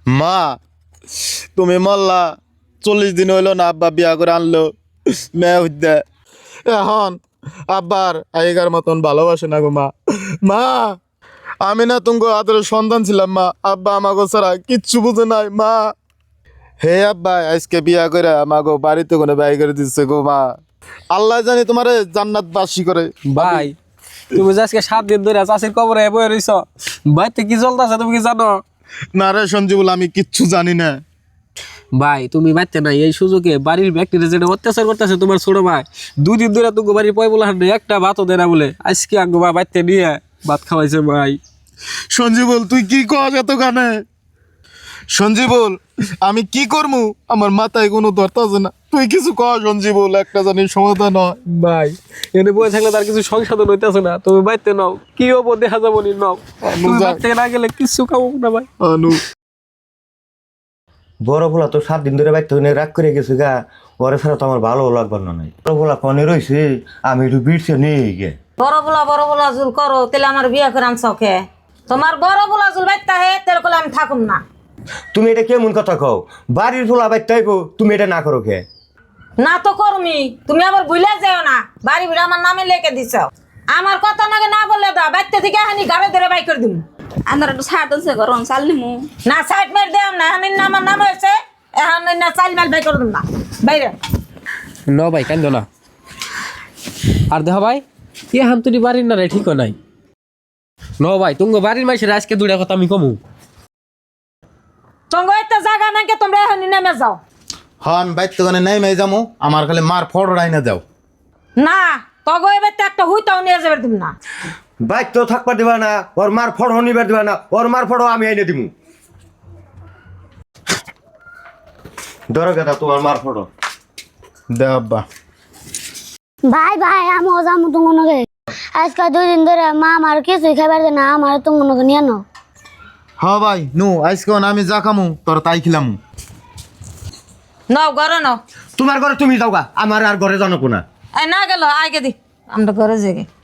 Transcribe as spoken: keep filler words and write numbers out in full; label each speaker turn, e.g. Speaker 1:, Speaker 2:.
Speaker 1: মা তুমি মল্লা চল্লিশ দিন হইলো না আব্বা বিয়া করে আনলো মেয়ে হইতে এখন আব্বার আগেকার মতন ভালোবাসে না গো মা মা আমি না তুমি আদরের সন্তান ছিলাম মা আব্বা আমাকে ছাড়া কিচ্ছু বুঝে নাই মা হে আব্বা আজকে বিয়া করে আমাকে বাড়িতে কোনো ব্যয় করে দিচ্ছে গো মা আল্লাহ জানি তোমারে জান্নাত বাসী করে
Speaker 2: ভাই তুমি যে আজকে সাত দিন ধরে চাষির কবরে বয়ে রইছ বাড়িতে কি চলতেছে তুমি কি জানো?
Speaker 1: না রে সঞ্জীবুল আমি কিচ্ছু জানি না।
Speaker 2: ভাই তুমি বাড়তে নাই এই সুযোগে বাড়ির ব্যক্তিরা যেটা অত্যাচার করতেছে তোমার ছোট ভাই দুদিন ধরে তুমি বাড়ির পয় বলে হাঁটে একটা ভাতও দেয় না বলে আজকে আঙ্গো ভাই বাড়তে নিয়ে ভাত খাওয়াইছে ভাই।
Speaker 1: সঞ্জীবুল তুই কি কস এত গানে? সঞ্জীবুল আমি কি করমু আমার মাথায় কোনো ধরতেছে না তুই কিছু কর সঞ্জীবুল একটা জানি সমাধান হয়।
Speaker 2: ভাই এনে বয়ে থাকলে তার কিছু সংশোধন হইতেছে না তুমি বাড়তে নাও কি হবো দেখা যাবো নি নাও তুমি বাড়তে না গেলে কিছু খাবো না ভাই।
Speaker 1: অনু
Speaker 3: বড় ভোলা তো সাত দিন ধরে বাইতে রাগ করে গেছে গা ওরে ছাড়া তো আমার ভালো লাগবার না নাই বড় ভোলা কনে রয়েছে আমি একটু বিড়ছে নিয়ে গে
Speaker 4: বড় বলা বড় বলা জুল করো তাহলে আমার বিয়ে করে আনছো কে? তোমার বড় বলা জুল বাইতে হে তাহলে কলে আমি থাকুম না।
Speaker 3: তুমি এটা কেমন কথা কও বাড়ির ভোলা বাইতে আইবো তুমি এটা না করো কে?
Speaker 4: না তো করমি তুমি আবার ভুলে যাও না বাড়ি ভিড়ে আমার নামে লেখে দিছ আমার কথা নাকি না বললে দা বাইতে থেকে হানি গাড়ি ধরে বাই করে দিম
Speaker 5: আমার একটু ছাড় দিচ্ছে গরম চাল নিমু
Speaker 4: না সাইড মের দেম না হানি না আমার নাম হয়েছে এখন না চাল মাল বাই করে দিম না বাইরে
Speaker 2: ন ভাই কান্দ না আর দেখ ভাই এ হাম তুই বাড়ির না রে ঠিক নাই ন ভাই তুমি বাড়ির মাইসের আজকে দুটা কথা আমি কমু
Speaker 4: সঙ্গ একটা জায়গা নাকি তোমরা এখন নেমে যাও।
Speaker 1: হন বাইর তো গানে নাই মাই যামু আমার খালি মার ফড়াই না যাও
Speaker 4: না তগো এবার তো একটা হুইতাও নিয়ে যাবে তুমি না
Speaker 3: বাইক তো থাকবার দিবা না ওর মার ফড় নিবার দিবা না ওর মার ফড় আমি আইনে দিমু ধরো গেটা তোমার মার ফড়
Speaker 1: দে আব্বা
Speaker 6: ভাই ভাই আমি যাবো তোমাকে আজকে দুই দিন ধরে মা আমার কিছুই খাবার দেয় না আমার তোমাকে নিয়ে নাও।
Speaker 1: হ ভাই নু আজকে আমি যা খামু তোর তাই খিলামু।
Speaker 4: নাও ঘরে নাও
Speaker 3: তোমার ঘরে তুমি যাও গা আমার আর ঘরে জানো কোনা
Speaker 4: এই না গেল আগে দি আমরা ঘরে যাই